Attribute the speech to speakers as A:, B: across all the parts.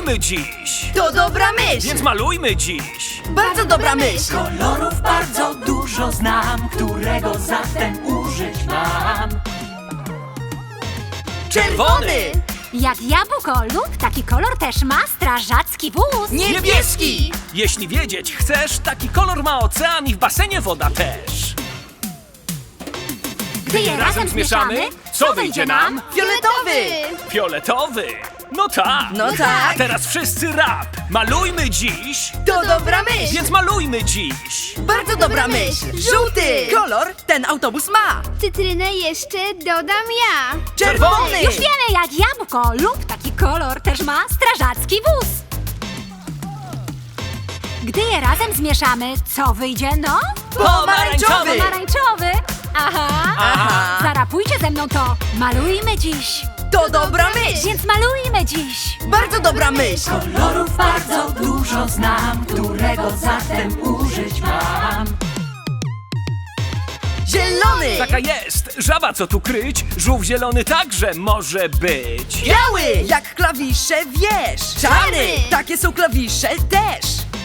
A: malujmy dziś!
B: To dobra myśl!
A: Więc malujmy dziś!
B: Bardzo dobra myśl!
C: Kolorów bardzo dużo znam, którego zatem użyć mam.
B: Czerwony!
D: Jak jabłko lub taki kolor też ma strażacki wóz.
B: Niebieski!
A: Jeśli wiedzieć chcesz, taki kolor ma ocean i w basenie woda też.
D: Gdy je razem zmieszamy, co wyjdzie nam?
B: Fioletowy!
A: Fioletowy! No tak!
B: No tak!
A: A teraz wszyscy rap! Malujmy dziś!
B: To dobra myśl!
A: Więc malujmy dziś!
B: Bardzo dobra myśl! Żółty! Kolor ten autobus ma!
E: Cytrynę jeszcze dodam ja.
B: Czerwony!
D: Już wiemy, jak jabłko lub taki kolor też ma strażacki wóz. Gdy je razem zmieszamy, co wyjdzie no?
B: Pomarańczowy!
D: Pomarańczowy! Aha!
B: Aha!
D: Zarapujcie ze mną to. Malujmy dziś.
B: To dobra myśl!
D: Więc malujmy dziś.
B: Bardzo dobra myśl!
C: Kolorów bardzo dużo znam, którego zatem użyć mam.
B: Zielony!
A: Taka jest! Żaba co tu kryć? Żółw zielony także może być!
B: Biały! Jak klawisze wiesz! Czarny! Takie są klawisze też!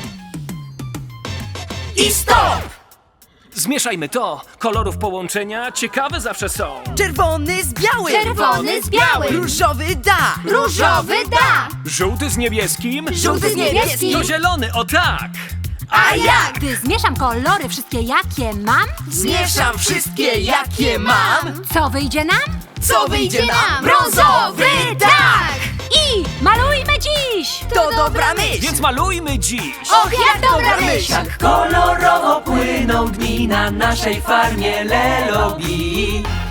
B: I stop!
A: Zmieszajmy to! Kolorów połączenia ciekawe zawsze są!
B: Czerwony z białym!
D: Czerwony z białym.
B: Różowy da!
D: Różowy da.
A: Żółty z niebieskim?
B: Żółty z niebieskim!
A: To zielony, o tak!
B: A jak?
D: Gdy zmieszam kolory wszystkie, jakie mam,
B: Zmieszam wszystkie jakie mam!
D: co wyjdzie nam?
B: Co wyjdzie nam?
D: Brązowy tak! I malujmy dziś!
B: To dobra myśl!
A: Więc malujmy dziś!
B: Och, jak dobra myśl!
C: Jak kolorowo płyną dni na naszej farmie Lelobi.